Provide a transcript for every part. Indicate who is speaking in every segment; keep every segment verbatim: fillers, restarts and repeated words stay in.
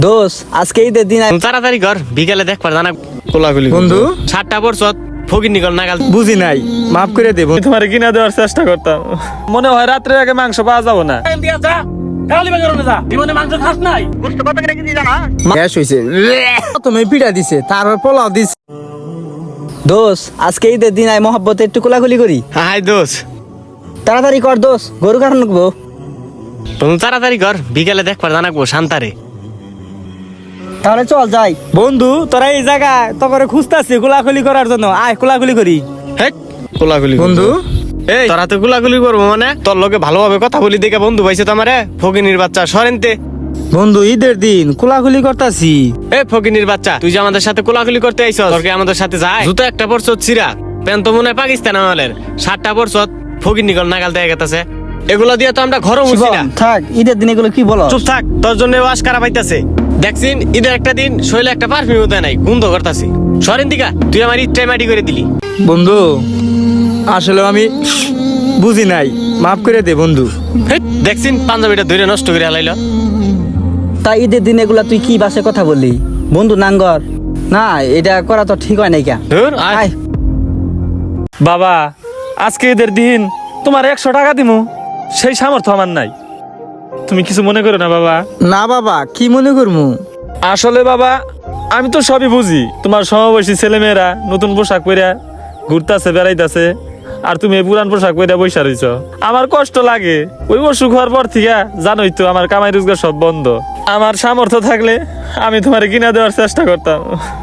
Speaker 1: দোষ আজকে ঈদের দিন আই-
Speaker 2: তাড়াতাড়ি কর, বিকেলে দেখ পার জানা কোলাগুলি
Speaker 3: বন্ধু
Speaker 2: সাতটা বছর ফকির নিকল নাগাল
Speaker 3: বুঝি নাই, মাফ করে দেব।
Speaker 4: তোমার কিনা দেওয়ার চেষ্টা করতাম, মনে হয় রাত্রে আগে মাংস পাওয়া যাবো না।
Speaker 3: গ্যাস হইছে, তুমি পিঠা দিছে, তারপর পোলাও দিছে।
Speaker 1: দোষ আজকে ঈদের দিন আই মহব্বতে একটু কোলাকুলি করি।
Speaker 2: হাই দোষ,
Speaker 1: তাড়াতাড়ি কর দোষ, গরু কারণ রাখবো।
Speaker 2: তুমি তাড়াতাড়ি কর, বিকেলে দেখ পার জানাকবো শান্তারে।
Speaker 1: তাহলে চল যাই।
Speaker 3: বন্ধু তোরা এই জায়গায় তো করে খুঁজতাছি কোলাকুলি করার জন্য, আয় কোলাকুলি করি।
Speaker 2: হেক কোলাগুলি
Speaker 3: বন্ধু
Speaker 2: এই তোরা তো গুলাগুলি করবো মানে তোর লোকে ভালোভাবে কথা বলি দেখে বন্ধু পাইছে তো আমারে ফকিনির বাচ্চা সরেনতে।
Speaker 3: বন্ধু ঈদের দিন কোলাকুলি করতাছি।
Speaker 2: এ ফকিনির বাচ্চা, তুই যে আমাদের সাথে কোলাকুলি করতে আইছস, তোর কি আমাদের সাথে যায়? জুতো একটা পরছত চিরা, প্যান্ট তো মনে হয় পাকিস্তান আমলের, সাতটা পরছত ফকির নিকল নাগাল দেয়া গেতাছে। এগুলো দিয়ে তো আমরা ঘরও মুছি না।
Speaker 1: শিবম, থাক, ঈদের দিন এগুলো কি বলো?
Speaker 2: চুপ থাক, তোর জন্য ওয়াশ করা পাইতাছে। দেখছিন ঈদের একটা দিন শৈলে একটা পারফিউম দেয় নাই, গন্ধ করতাছি। সরেন দিকা, তুই আমার ইচ্ছায় মাটি করে দিলি।
Speaker 3: বন্ধু আসলে আমি বুঝি নাই, মাফ করে দে বন্ধু।
Speaker 2: হেৎ, দেখছিন পাঞ্জাবিটা ধরে নষ্ট করে হালাইল।
Speaker 1: তাই ঈদের দিন এগুলা তুই কি বাসে কথা বললি? বন্ধু নাঙ্গর না, এটা করা তো ঠিক হয় নাই কা।
Speaker 2: ধুর, আয়।
Speaker 1: আয়
Speaker 4: বাবা আজকে ঈদের দিন তোমার একশো টাকা দিমু, সেই সামর্থ্য আমার নাই। তুমি কিছু মনে করো না বাবা।
Speaker 3: না বাবা, কি মনে করমু?
Speaker 4: আসলে বাবা আমি তো সবই বুঝি, তোমার সমবয়সী ছেলেমেয়েরা নতুন পোশাক পরে ঘুরতেছে বেড়াইতেছে, আর তুমি এই পুরান পোশাক পরে বৈশা রইছ। আমার কষ্ট লাগে, ওই অসুখ হওয়ার পর থেকে জানোই তো আমার কামাই রোজগার সব বন্ধ। আমার সামর্থ্য থাকলে আমি তোমার কিনা দেওয়ার চেষ্টা করতাম।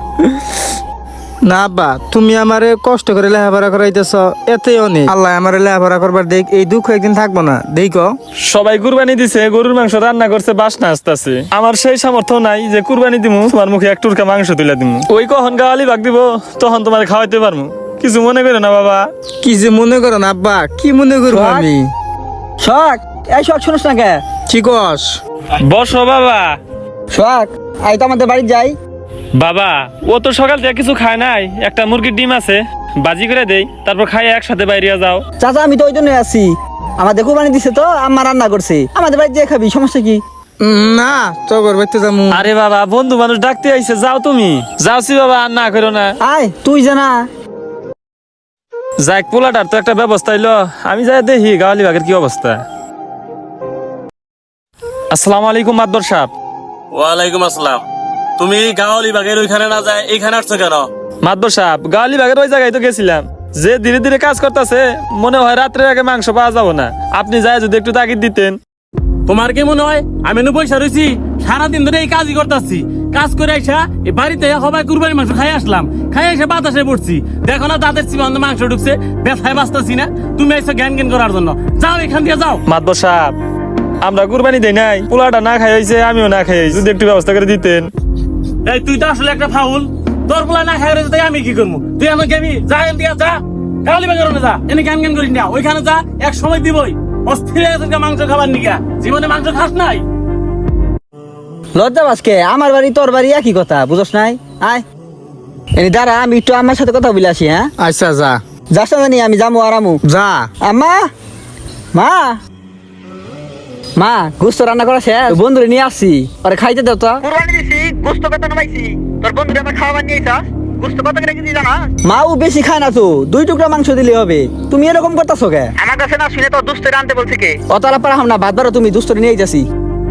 Speaker 3: না আব্বা, তুমি আমারে কষ্ট করে লেখাপড়া করাইতেছ, এতে অনেক। আল্লাহ আমারে লেখাপড়া করবার দেখ, এই দুঃখ একদিন থাকবো না, দেখো।
Speaker 4: সবাই কুরবানি দিছে, গরুর মাংস রান্না করছে, বাসনা আসতেছে। আমার সেই সামর্থ্য নাই যে কুরবানি দিমু তোমার মুখে এক টুরকা মাংস তুলে দিমু। ওই কখন গাওয়ালি ভাগ দিব, তখন তোমার খাওয়াইতে পারমু। কিছু মনে করো না বাবা।
Speaker 3: কি যে মনে করো না আব্বা, কি মনে করবো
Speaker 1: শখ?
Speaker 3: আমি?
Speaker 1: শখ, এই শখ শুনিস না কে?
Speaker 3: কি কস?
Speaker 4: বসো বাবা।
Speaker 1: শখ, আই তো আমাদের বাড়ি যাই।
Speaker 4: বাবা ও তো সকাল থেকে কিছু খায় নাই, একটা মুরগির ডিম আছে, বাজি করে দেই, তারপর খাইয়ে একসাথে বাইরে যাও।
Speaker 1: চাচা আমি তো ওই জন্যই আছি, আমাদের কোরবানি দিছে তো, আম্মা রান্না করছে, আমাদের বাড়ি যে খাবি, সমস্যা কি?
Speaker 3: উম, না তো করবে তো যাবো।
Speaker 4: আরে বাবা বন্ধু মানুষ ডাকতে আইছে, যাও তুমি। যাওছি বাবা, আর না করো না।
Speaker 1: আয় তুই জানা।
Speaker 4: যাক পোলাটার তো একটা ব্যবস্থা হইলো, আমি যাই দেখি গাওয়ালি বাগের কি অবস্থা। আসসালামু আলাইকুম মাদবর সাহেব।
Speaker 5: ওয়ালাইকুম আসসালাম। তুমি গাওয়ালি বাগের ওইখানে না যায় এইখানে আসছো কেন?
Speaker 4: মাদবর সাহেব গাওয়ালি বাগের ওই জায়গায় তো গেছিলাম, যে ধীরে ধীরে কাজ করতেছে, মনে হয় রাত্রে আগে মাংস পাওয়া যাবো না। আপনি যায় যদি একটু তাগিদ দিতেন।
Speaker 5: তোমার কি মনে হয় আমি নু পয়সা রয়েছি? সারাদিন ধরে এই কাজই করতেছি, কাজ করে আইসা এই বাড়িতে সবাই কুরবানি মাংস খাই আসলাম, খাই এসে বাতাসে পড়ছি, দেখো না দাঁতের চিবান্ত মাংস ঢুকছে, ব্যথায় বাঁচতেছি না। তুমি আইসো জ্ঞান জ্ঞান করার জন্য, যাও এখান দিয়ে যাও।
Speaker 4: মাদবর সাহেব আমরা কুরবানি দেই নাই, পোলাটা না খাই হয়েছে, আমিও না খাই হয়েছি, যদি একটু ব্যবস্থা করে দিতেন।
Speaker 5: এই তুই তো আসলে একটা ফাউল, তোর পোলা না খাই রয়েছে, তাই আমি কি করবো? তুই আমাকে আমি যা এখান দিয়ে যা, গাওয়ালি বাগের যা, এনে জ্ঞান জ্ঞান করিস না, ওইখানে যা, এক সময় দিবই। অস্থির হয়ে গেছে মাংস খাবার নিকা, জীবনে মাংস খাস নাই।
Speaker 1: লজ্জা বাসকে, আমার বাড়ি তোর বাড়ি একই কথা, বুঝস নাই? আয় এনে দাঁড়া, আমি একটু আমার সাথে কথা বলে আসি। হ্যাঁ
Speaker 3: আচ্ছা যা
Speaker 1: যাস না জানি, আমি যাবো আরামু।
Speaker 3: যা।
Speaker 1: আম্মা, মা, মা গোস্ত রান্না করা শেষ, বন্ধুরে নিয়ে আসছি, আরে খাইতে দাও তো। কুরবানি দিছি, গোস্ত কত নামাইছি, তোর বন্ধুরে আমার খাওয়া নিয়ে আইছা, গোস্ত কত করে কেজি জানা? মা ও বেশি খায় না তো, দুই টুকরা মাংস দিলে হবে। তুমি এরকম করতাছো কে? আমার কাছে না শুনে তো দুস্তরে আনতে বলছে কে? অতারা পারা হাম না, ভাত বারো, তুমি দুস্তরে নিয়ে যাচ্ছি।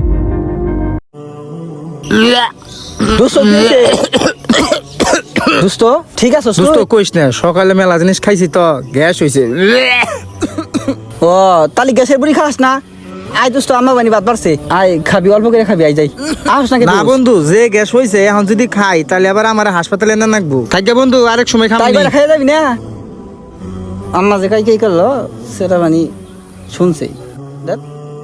Speaker 1: দুস্ত দিয়েছে। দুস্ত ঠিক আছে
Speaker 3: দোস্ত কইস না, সকালে মেলা জিনিস খাইছি তো গ্যাস হইছে।
Speaker 1: ও তালি গ্যাসের বুড়ি খাস না? আয় দোস্ত, আমার বানি বাদ বাড়ছে, আয় খাবি, অল্প করে খাবি, আই যাই। আস না
Speaker 3: না বন্ধু, যে গ্যাস হইছে এখন যদি খাই তাহলে আবার আমার হাসপাতালে না নাকবো। থাকবে বন্ধু, আরেক সময়
Speaker 1: তাই
Speaker 3: খাবো।
Speaker 1: বলে খাই যাবি না? আম্মা যে কাই কাই করলো সেটা মানে শুনছে। দেখ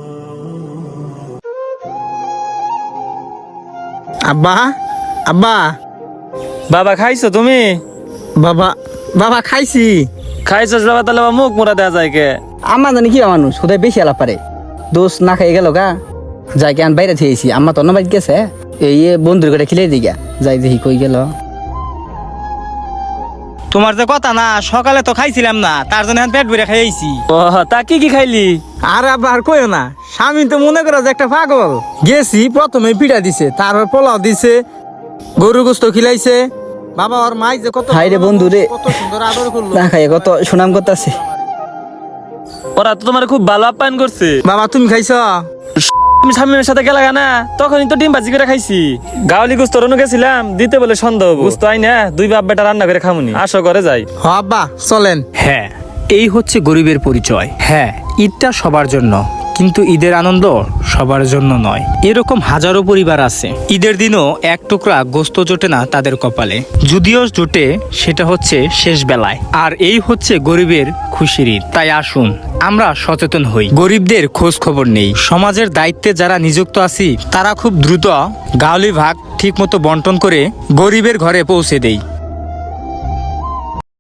Speaker 3: আব্বা, আব্বা,
Speaker 4: বাবা খাইছো তুমি?
Speaker 3: বাবা, বাবা খাইছি।
Speaker 4: খাইছো বাবা, তাহলে আমার মুখ মোড়া দেওয়া যায় কে?
Speaker 1: আম্মা জানি কি মানুষ, কোথায় বেশি আলাপ পারে। দোষ না খাই গেল গা, যাই কেন বাইরে থেয়েছি, আম্মা তো অন্য বাড়ি গেছে, এই বন্ধুর করে খিলে দিই গা, যাই দেখি কই গেল।
Speaker 3: তোমার যে কথা না সকালে তো খাইছিলাম না তার জন্য এখন পেট ভরে খাইছি।
Speaker 4: ও তা কি কি খাইলি?
Speaker 3: আর আবার কইও না, স্বামী তো মনে করো যে একটা পাগল। গেছি প্রথমে পিঠা দিছে, তারপর পোলাও দিছে, গরু গোস্ত খিলাইছে। বাবা ওর মাই যে কত
Speaker 1: হাই রে বন্ধু রে,
Speaker 3: কত সুন্দর আদর করলো।
Speaker 1: না খাই কত সুনাম করতেছে।
Speaker 4: ওরা তো তোমার খুব ভালো আপ্যায়ন করছে।
Speaker 3: বাবা তুমি খাইছো?
Speaker 4: তুমি স্বামীর সাথে গেলা না, তখনই তো ডিম ভাজি করে খাইছি। গাওলি গুস্ত রনু গেছিলাম দিতে বলে সন্দেহ গুস্ত আই না, দুই বাপ বেটা রান্না করে খামুনি। আসো ঘরে যাই।
Speaker 3: হ আব্বা চলেন।
Speaker 6: হ্যাঁ, এই হচ্ছে গরিবের পরিচয়। হ্যাঁ, ঈদটা সবার জন্য, কিন্তু ঈদের আনন্দ সবার জন্য নয়। এরকম হাজারো পরিবার আছে ঈদের দিনও এক টুকরা গোস্ত জোটে না তাদের কপালে, যদিও জোটে সেটা হচ্ছে শেষ বেলায়। আর এই হচ্ছে গরিবের খুশির ঈদ। তাই আসুন আমরা সচেতন হই, গরিবদের খোঁজ খবর নেই। সমাজের দায়িত্বে যারা নিযুক্ত আছি তারা খুব দ্রুত গাওলি ভাগ ঠিক মতো বন্টন করে গরিবের ঘরে পৌঁছে দেই।